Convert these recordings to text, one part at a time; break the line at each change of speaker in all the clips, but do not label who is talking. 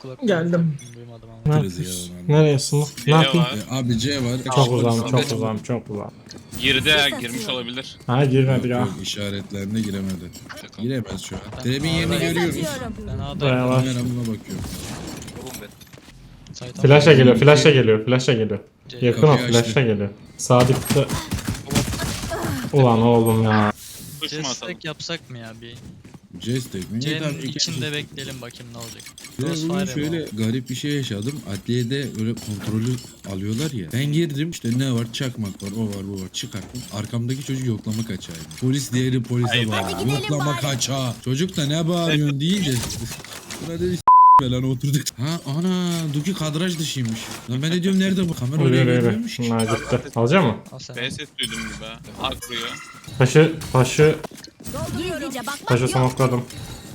kulak.
Geldim.
Duymadım ama.
Ne
Kırız ya
yapıyorsun?
lan.
Nereye smoke? Ne
C
yapayım?
var.
Abi C var.
Çok uzağım, çok uzağım, çok uzağım.
Girdi ha, girmiş olabilir.
Ha girmedi ya.
Yok işaretlerine giremedi. Giremez şu an. Trebin
A'dayım.
yerini görüyoruz.
Ben A'dayım.
Bayağı var.
Kameramına bakıyorum.
Saytan-
Flash'a geliyor, flash'a geliyor, flash'a geliyor. Yakın o,
Kapıyı açtı.
flash'a geliyor. Sadık'ta... Ulan oğlum ya.
Kuş mu atalım?
Destek yapsak mı ya bir?
C-Stack mi? İyi, tamam,
C'nin
iki-
içinde bekleyelim bakayım ne olacak.
Ya bugün
Crossfire
şöyle
mi
garip bir şey yaşadım. Adliyede öyle kontrolü alıyorlar ya. Ben girdim işte ne var? Çakmak var, o var, bu var. Çıkarttım. Arkamdaki çocuk yoklama kaçağıydı. Polis diğeri polise
Hayda.
bağırıyor. Yoklama kaçağı. Çocuk da ne bağırıyorsun deyince. Buna dedi lan oturduk. Ha ana Duki kadraj dışıymış. Lan ben de diyorum nerede bu? Kamera oraya
Öyle öyle.
görmüyormuş ki.
Bunlar gitti. Alacak mı?
Al sen.
B ses duydum gibi ha. A kuruyor.
Taşı
Gizlice bakmak
taşı
yok.
smokeladım.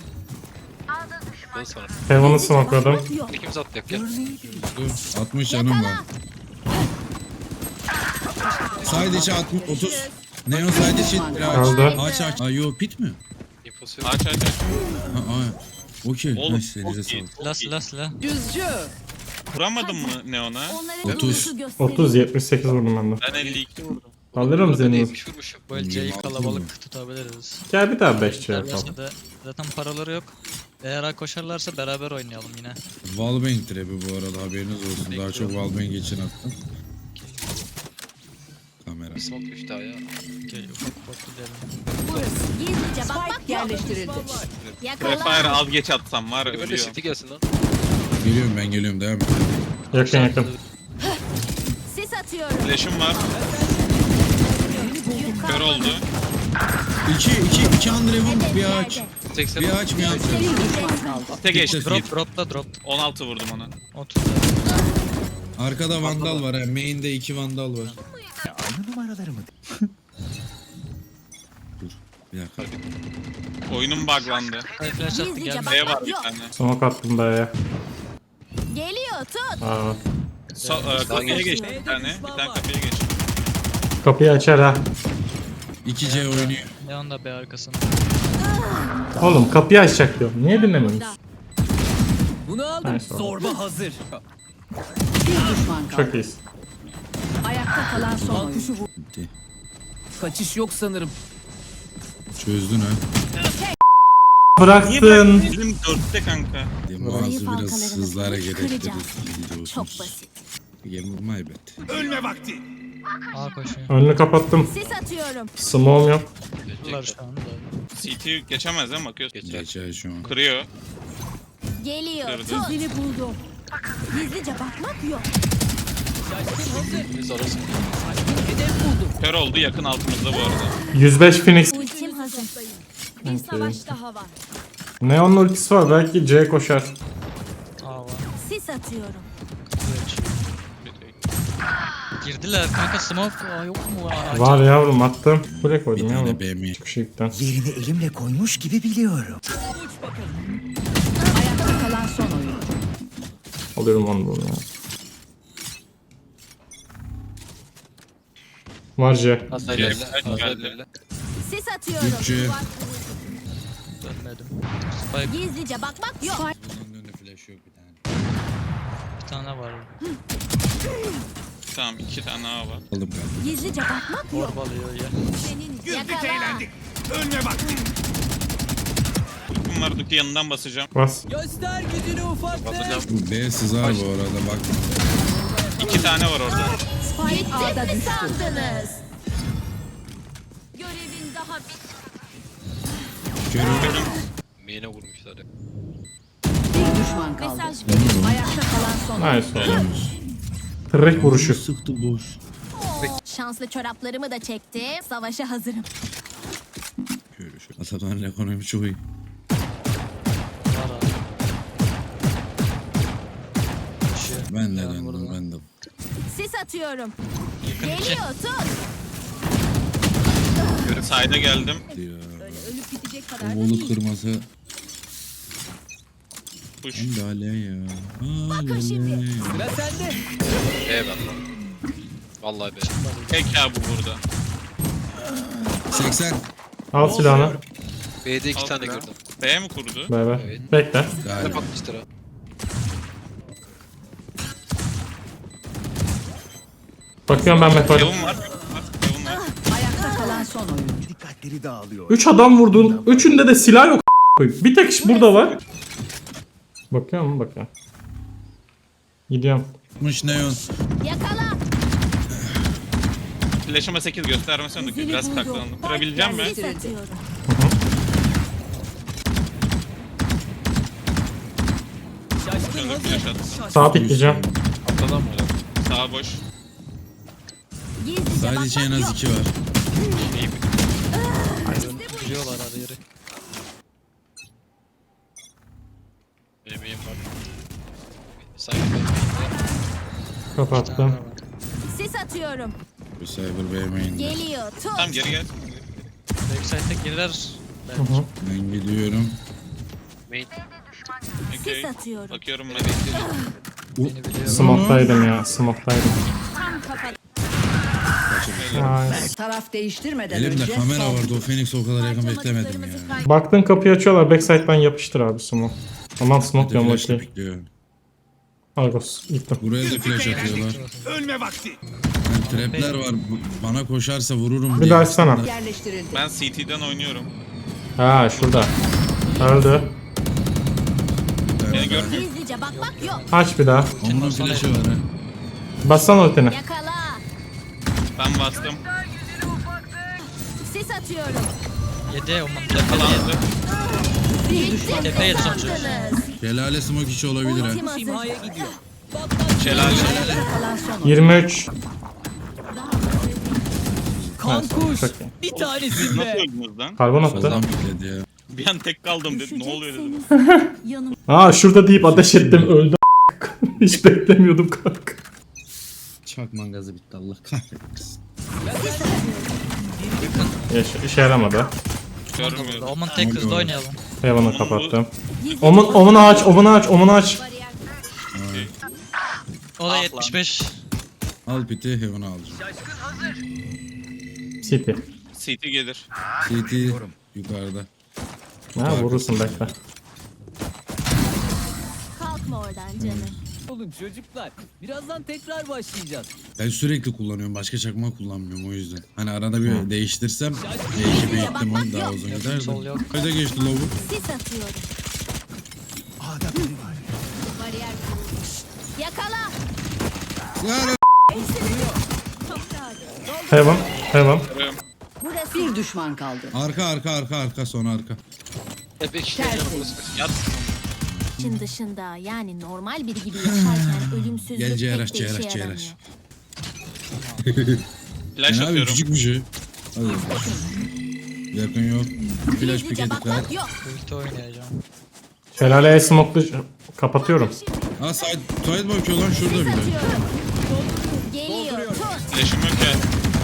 Ben sana.
Heaven'ı smokeladım.
Yok.
İkimiz atlayak gel.
Dur 60 canım var. Side içi 60 30. Neon side içi
Öldü.
aç aç. Ay yo pit mi?
İnfosu yok.
Aç aç aç.
Ha ay. Okey.
Oğlum
Nice, elinize
çok iyi.
sağlık.
Silah silah silah.
Vuramadın mı Neon'a?
Onlara
30.
yolunuzu gösterin.
30 78 vurdum ben de.
Ben 52 vurdum.
Alırım
Burada
seni.
değilmiş vurmuşum.
Böyle C'yi
26
kalabalık
mı?
tutabiliriz.
Gel bir daha 5 şey
Derlerse
yapalım.
de zaten paraları yok. Eğer A koşarlarsa beraber oynayalım yine.
Wallbang trap'i bu arada haberiniz olsun. Daha çok Wallbang için attım. Kamera.
Bir smoke düştü daha ya.
Okey ufak ufak gidelim.
Burası. Gizlice bakmak yok.
Yerleştirildi.
Prefire
Yakala.
az geç atsam var
Böyle
ölüyor.
city gelsin lan.
Geliyorum ben geliyorum devam et.
Yakın yakın.
Sis atıyorum.
Flash'ım var. Kör oldu.
2 Andrev'un bir ağaç.
80.
Bir ağaç bir ağaç.
Bir düşman kaldı.
Tek geçti.
Dropta drop.
16 vurdum ona.
30.
Arkada vandal var ha. Main'de 2 vandal var. Dur. Bir dakika.
Oyunum buglandı.
Ay flash attı
Gizlice
gelme.
bak.
B var bir
Yok.
tane.
Smoke attım B'ye.
Geliyor tut.
Aa.
Kapıya geçti bir tane. Bir tane kapıya geçti.
Kapıyı açar ha.
2C oynuyor.
Leon da B arkasında.
Oğlum kapıyı açacak diyorum. Niye dinlemiyorsun?
Bunu aldım.
Nice oldu.
Zorba hazır. Bir düşman kaldı.
Çok iyisin.
Ayakta kalan son oyuncu.
Bitti.
Kaçış yok sanırım.
Çözdün ha.
Bıraktın.
Bizim 4'te kanka.
Bazı
Zayıf
biraz
halkalarını
hızlı hareket ettirdi.
kıracağım.
Biliyorsunuz.
Çok basit.
My bad.
A koşuyor.
Önünü kapattım.
Sis atıyorum.
Smoke'um yok.
Bunlar şu anda.
CT geçemez değil mi? Bakıyoruz.
Geçer.
Geçer şu an.
Kırıyor.
Geliyor
Kırdı.
tut. Seni buldum. Gizlice bakmak yok.
Biz arasın.
Kör oldu yakın altımızda bu arada.
105 Phoenix.
Ultim hazır. Bir
Okey.
savaş daha var.
Neon'un ultisi var. Belki C koşar.
A var.
Sis atıyorum.
Girdiler kanka smoke. Aa, yok mu? Aa,
Var yavrum attım. Buraya
Bir
koydum
tane
yavrum.
B mi?
Çıkışıktan.
Yerini elimle koymuş gibi biliyorum.
Ayakta kalan son oyuncu.
Alıyorum onu bunu ya. Var C.
Nasıl
Geldi.
ilerle?
Sis atıyorum.
3C.
dönmedim. Spike
Gizlice bakmak yok.
Bunun önünde flash yok bir tane.
bir tane var.
Tamam 2 tane A var.
Aldım kanka.
Gizlice bakmak yok.
Orbalıyor ya.
Senin yakala.
Ultim var Duki yanından basacağım.
Bas.
Göster gücünü ufaklık.
Batacağım.
Bu B sızar bu arada bak.
2 tane var orada.
Spike A'da
Ne
düştü.
sandınız? Görevin daha bitmedi.
Körüm.
Main'e vurmuşlar ya.
Bir düşman kaldı.
Mesaj verin.
Ayakta kalan son oyuncu.
Nice oldu. Tırrek vuruşu.
Sıktı boş.
Şanslı çoraplarımı da çektim. Savaşa hazırım.
Şöyle şöyle. Atadan ekonomi çok iyi.
Var abi. Koşuyor.
Ben de
Leon
döndüm
vurdu.
ben de.
Sis atıyorum.
Yakın iki.
Geliyor tut.
Side'a geldim.
Ya.
Ölüp bitecek
O
kadar da
bolu
değil.
kırması.
Push.
Hem de ale ya.
Bakın şimdi.
Ale.
Sıra sende.
B ben lan. Vallahi B.
Tek ya bu burada.
80.
Al silahını.
B'de 2
Al
tane
silah.
gördüm.
B mi kurdu?
Beraber.
Evet.
Bekle.
Galiba.
Kapatmıştır ha.
Bakıyorum ben metoda.
Kevin var. Kevin var.
Ayakta kalan son oyuncu.
Dikkatleri dağılıyor.
3 adam vurdun. Üçünde de silah yok. Bir tek iş burada var. Bakıyorum bakıyorum. Gidiyorum.
Mış neon.
Yakala.
Flash'ıma 8 göstermesi önündeki. Biraz saklandım. Kırabileceğim mi?
Sis atıyorum.
Önündeki flash attım.
Sağa pikleyeceğim.
Atladan mı öyle?
Sağ boş.
Gizlice
Sadece en
bakmak
az
yok.
2 var.
Biliyorlar her yeri.
Benim iyiyim var. Sanki ben
Kapattım.
Sis atıyorum.
Bu Cyber Bey main'de.
Geliyor. Tut.
Tamam geri gel.
Backside'de girer.
Hı hı.
Ben gidiyorum.
main.
Okey.
Sis atıyorum.
Bakıyorum ben.
Beni biliyor.
Smoke'daydım ya. Smoke'daydım.
Tam kapat.
Nice.
Taraf değiştirmeden
Elimde
önce
kamera
son.
vardı. O Phoenix o kadar yakın beklemedim ya.
Baktın kapıyı açıyorlar. Backside'dan yapıştır abi smoke. Aman smoke diyorum
Flash'la
okey.
pikliyor.
Argos gittim.
Buraya da flash atıyorlar.
Ölme vakti.
Yani trapler var. Bana koşarsa vururum
Bir
diye.
daha açsana.
Yerleştirildi.
Ben CT'den oynuyorum.
Ha şurada. Öldü.
Beni gördün.
Gizlice bakmak yok.
Aç bir daha.
Onun flash'ı var ha.
Bassana ultini.
Yakala.
Ben bastım.
Sis atıyorum.
7 o tepede 7.
Bir düşman
Tepe yedi sonucu.
Sandınız.
Şelale smoke içi olabilir ha.
Ultim hazır.
Şelale.
Ayakta kalan son oyuncu.
23.
Kankuş.
Çok iyi.
Bir tanesin
Nasıl
be.
öldünüz lan?
Karbon attı.
Soldan pikledi ya.
Bir an tek kaldım dedim. Ne oluyor dedim.
Yanım.
Aa şurada deyip ateş ettim öldü. Hiç beklemiyordum kanka.
Çakman gazı bitti Allah kahretsin.
İşe yaramadı.
Görmüyorum.
Omun tek hızlı oynayalım.
Heaven'ı kapattım. Omunu aç, omunu aç, omunu aç.
O da 75.
Al piti Heaven'ı alacağım.
City.
CT gelir.
CT yukarıda.
Ha vurursun bekle.
Kalkma oradan canım.
Olun çocuklar. Birazdan tekrar başlayacağız.
Ben sürekli kullanıyorum. Başka çakma kullanmıyorum o yüzden. Hani arada bir değiştirsem D2 bir ihtimal daha uzun gider
Sol
de.
yok.
Kayda geçti lobu.
Sis atıyorum.
A'da biri var.
Bariyer kurulmuş. Yakala.
Heaven, Heaven.
Burası.
Bir düşman kaldı.
Arka sonra arka.
Epey kişiler canım burası.
Yat.
İçin dışında yani normal biri gibi yaşarken ölümsüzlük
Gel
pek
Ceyraş,
de işe
Ceyraş,
yaramıyor.
Ceyraş.
Flash
Yani abi
atıyorum.
küçük bir şey. Hadi. Yakın yok. Flash
Gizlice
pike dikkat.
bakmak yok.
Ulti oynayacağım.
Şelaleye smoke'lu kapatıyorum.
Ha side bakıyor lan şurada
Sis
bile.
atıyorum. Geliyor. Tut.
Flash'ım yok ya.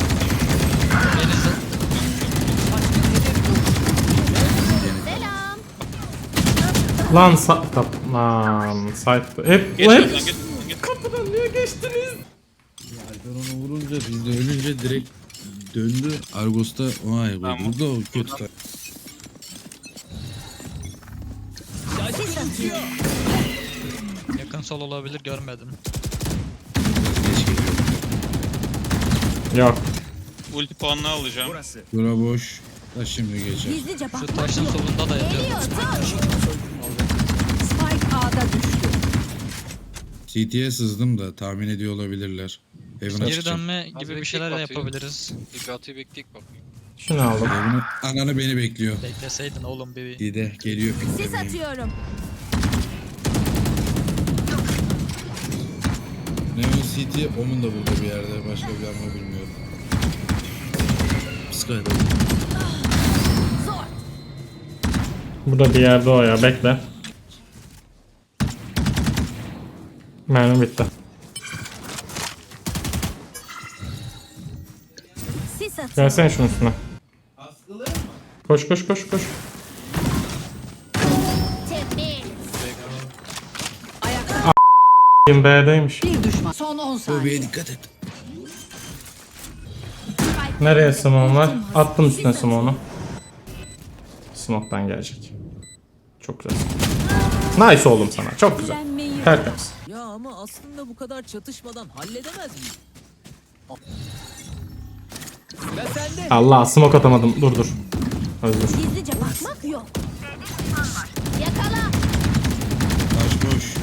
Selam.
Lan lan site. Hep
Geç
hep
lan geç. Geç.
kapıdan niye geçtiniz?
Alper onu vurunca biz de ölünce direkt döndü. Argos'ta o ay
Tamam.
burada o kötü.
Sis atıyor.
Yakın sol olabilir görmedim.
Geç geliyor.
Yok.
Ulti puanını alacağım.
Bura boş. Da şimdi geçer.
Gizlice
Şu
bakmak
taşın
yok.
solunda da yatıyor.
Geliyor. Tut.
Spike A'da düştü.
CT'ye sızdım da tahmin ediyor olabilirler. Heaven'a
Geri
çıkacağım.
dönme gibi bir şeyler de yapabiliriz.
Bir atıyı bekleyip bak.
Şunu aldım.
Heaven'ı ananı beni bekliyor.
Bekleseydin oğlum bir.
Dide geliyor
Sis
piklemeye.
atıyorum.
Neon City Omun da burada bir yerde. Başka bir yer mi bilmiyorum. Sky'da.
Zor.
Burada bir yerde o ya bekle. Mermi bitti.
Sis atıyorum.
Gelsene şunun üstüne. Koş koş koş koş.
Temiz.
Ayakta
B'deymiş.
bir düşman. Son 10 saniye.
Lobiye dikkat et.
Nereye smoke var? Attım üstüne smoke'unu. Smoke'tan gelecek. Çok güzel. Nice oğlum sana. Çok güzel. Tertemiz.
Ya ama aslında bu kadar çatışmadan halledemez miyim? Sıra sende.
Allah smoke atamadım. Dur. Özür.
Gizlice bakmak yok. Yakala.
Taş boş.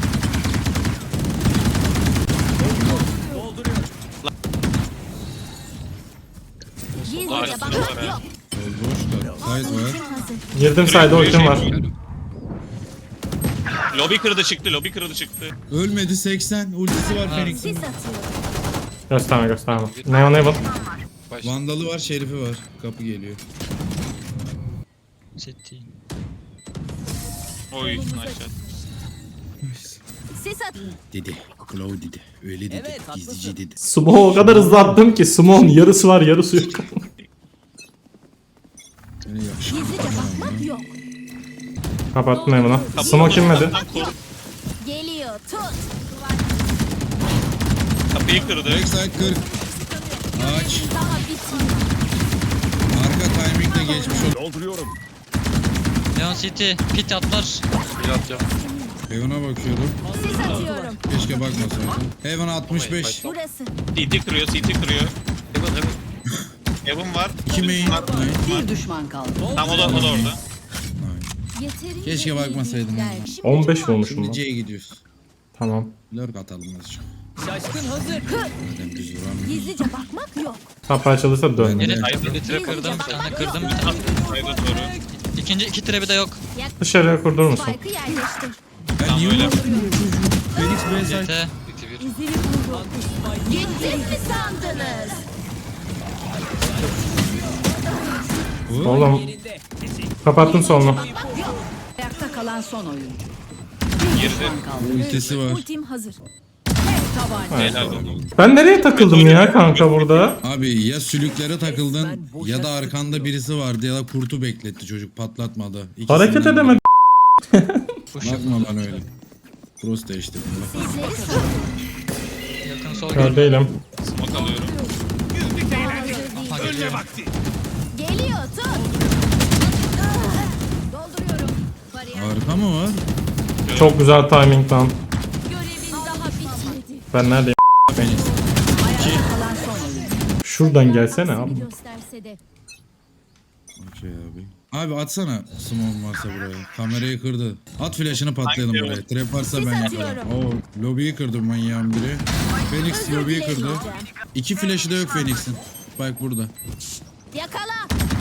Gizlice
Arası
bakmak
var ha.
yok.
Boş da. Site var.
Ultim hazır.
Girdim sayda ultim var.
Lobi kırdı çıktı, lobi kırdı çıktı.
Ölmedi 80. Ultisi var Phoenix'in.
Sis atıyorum.
Gösterme. Neon Evil.
Vandalı var, Şerifi var. Kapı geliyor.
City.
Oy, nice shot.
Sis at.
Dedi. Claw dedi. Öyle dedi.
Evet, haklısın.
Gizlici dedi.
Smoke o kadar hızlı attım ki smoke'un yarısı var yarısı yok.
Seni yakışıklı.
Gizlice bakmak yok.
Kapattım Evan'a. Smoke inmedi.
Tam koru.
Geliyor. Tut.
Kapıyı kırdı.
Backside 40. Aç.
Daha bitmedi.
Arka timingle geçmiş ol.
Dolduruyorum.
Neon City. Pit atlar.
Bir atacağım.
Heaven'a bakıyorum.
Sis atıyorum.
Keşke bakmasaydım. Heaven 65.
Burası.
CT kırıyor, CT kırıyor.
Hemen.
Heaven var.
2 main.
Var.
Bir düşman kaldı.
Tam o da orada.
Yeterince
Keşke
iyi
bakmasaydım
bilgiler.
ama.
Şimdi
15 vurmuşum
Şimdi
lan.
C'ye gidiyoruz.
Tamam.
Lurk atalım azıcık.
Şaşkın hazır.
Madem düz vuramıyor.
Gizlice bakmak yok.
Top açılırsa dön.
Ben de-
Bir trap kırdım. Bir tane kırdım. Bir tane.
Hayda doğru.
İkinci iki trap'i de yok.
Dışarıya kurdurur musun?
Spike'ı yerleştir.
Ben niye
öyle.
vuramıyorum çocuğu? Phoenix B side.
CT.
Biti bir.
İzini buldum. Gittim mi sandınız?
Oğlum
Yerinde.
kapattım solunu.
Ayakta kalan son oyuncu.
Girdi.
Kaldı.
Ultisi var.
Ultim hazır.
Tabanca.
Helal olsun.
Ben nereye takıldım ya kanka burada?
Abi ya sülüklere takıldın ya da arkanda birisi vardı ya da kurtu bekletti çocuk patlatmadı. İkisinden
Hareket
biri.
edemedim.
Bakma bana öyle. Cross değiştirdim bak.
Sizleri sor.
Yakın sol
Kör
gördüm.
değilim.
Smoke alıyorum.
Ha
Ölme
geliyor.
vakti.
Geliyor tut. Dolduruyorum. Bariyer.
Arka mı var?
Çok güzel timing lan.
Görevin daha bitmedi.
Ben neredeyim?
Ayakta kalan son oyuncu.
Şuradan gelsene abi.
Aksini gösterse de.
Okey abi. Abi atsana smoke varsa buraya. Kamerayı kırdı. At flash'ını patlayalım
Hangi
buraya. Trap varsa
Sis
ben
atıyorum.
yaparım. Oo, lobiyi kırdı manyağın biri. Phoenix
Özür
lobiyi kırdı.
dilemeyeceğim.
2 flash'ı da yok Phoenix'in. Bak burada.
Yakala.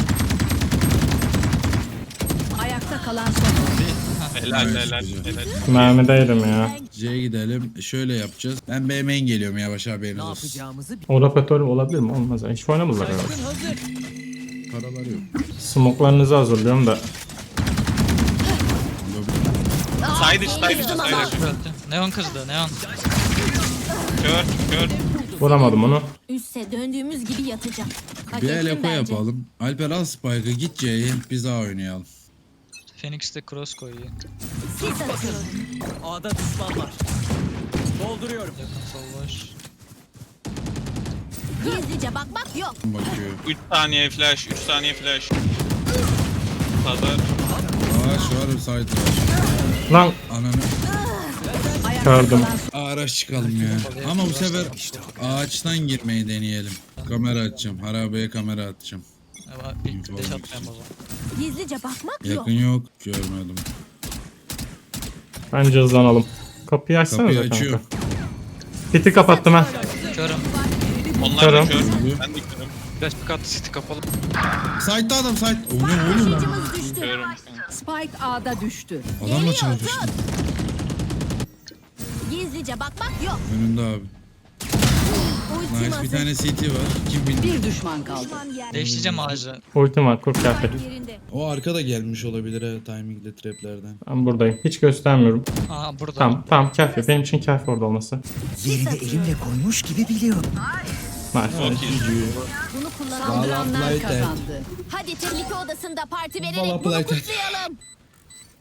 Ayakta kalan son oyuncu.
Helal
Evet,
helal
güzel.
helal.
Mermideydim ya.
C'ye gidelim. Şöyle yapacağız. Ben B main geliyorum yavaş haberiniz
Ne
olsun.
yapacağımızı bil.
Operatör olabilir mi? Olmaz. Hiç oynamadılar galiba.
Şaşkın hazır.
Paraları yok.
Smoke'larınızı hazırlıyorum da.
Side iç, side iç, side iç.
Öldü. Neon kızdı. Neon.
Kör, kör.
Vuramadım onu.
Üste döndüğümüz gibi yatacağım. Hak
Bir
ettim
el eko
bence.
yapalım. Alper al Spike'ı git C'ye biz A oynayalım.
Phoenix de cross koyuyor.
Sis atıyorum.
A'da düşman var. Dolduruyorum.
Yakın sol boş.
Gizlice bakmak yok.
Bakıyor.
3 saniye flash, 3 saniye flash. Pazar.
Aa şu var side var.
Lan
Ananı.
kördüm.
Araç çıkalım ya. Ama bu sefer ağaçtan girmeyi deneyelim. Kamera açacağım. Harabeye kamera atacağım.
Ama bir deş atmayayım o zaman.
Gizlice bakmak yok.
Yakın yok. Görmedim.
Bence hızlanalım. Kapıyı açsana
Kapıyı
kanka.
açıyor.
Piti kapattım ha.
Körüm.
Onlar
Körüm.
da kör. Ben de körüm.
Flash pick attı, city kapalı.
Side'da adam side. O ne oğlum?
Taşıyıcımız düştü.
Körüm.
Spike A'da düştü.
Adamla çarpıştım.
Gizlice bakmak yok.
Önünde abi.
Ultim
Nice
hazır.
bir tane CT var. Kim bildi?
Bir düşman kaldı.
Düşman yer.
Değiştireceğim ağacı.
Ultim var kur kıyafet.
Spike yerinde.
O arkada gelmiş olabilir ha timingle traplerden.
Ben buradayım. Hiç göstermiyorum.
Aa burada.
Tamam kafi. Benim için kafi orada olması.
Yerini elimle
Koymuş gibi biliyorum.
Nice.
Bunu kullanan
Saldıranlar kazandı.
hadi tehlike odasında parti
Valla
vererek bunu
Playtime.
kutlayalım.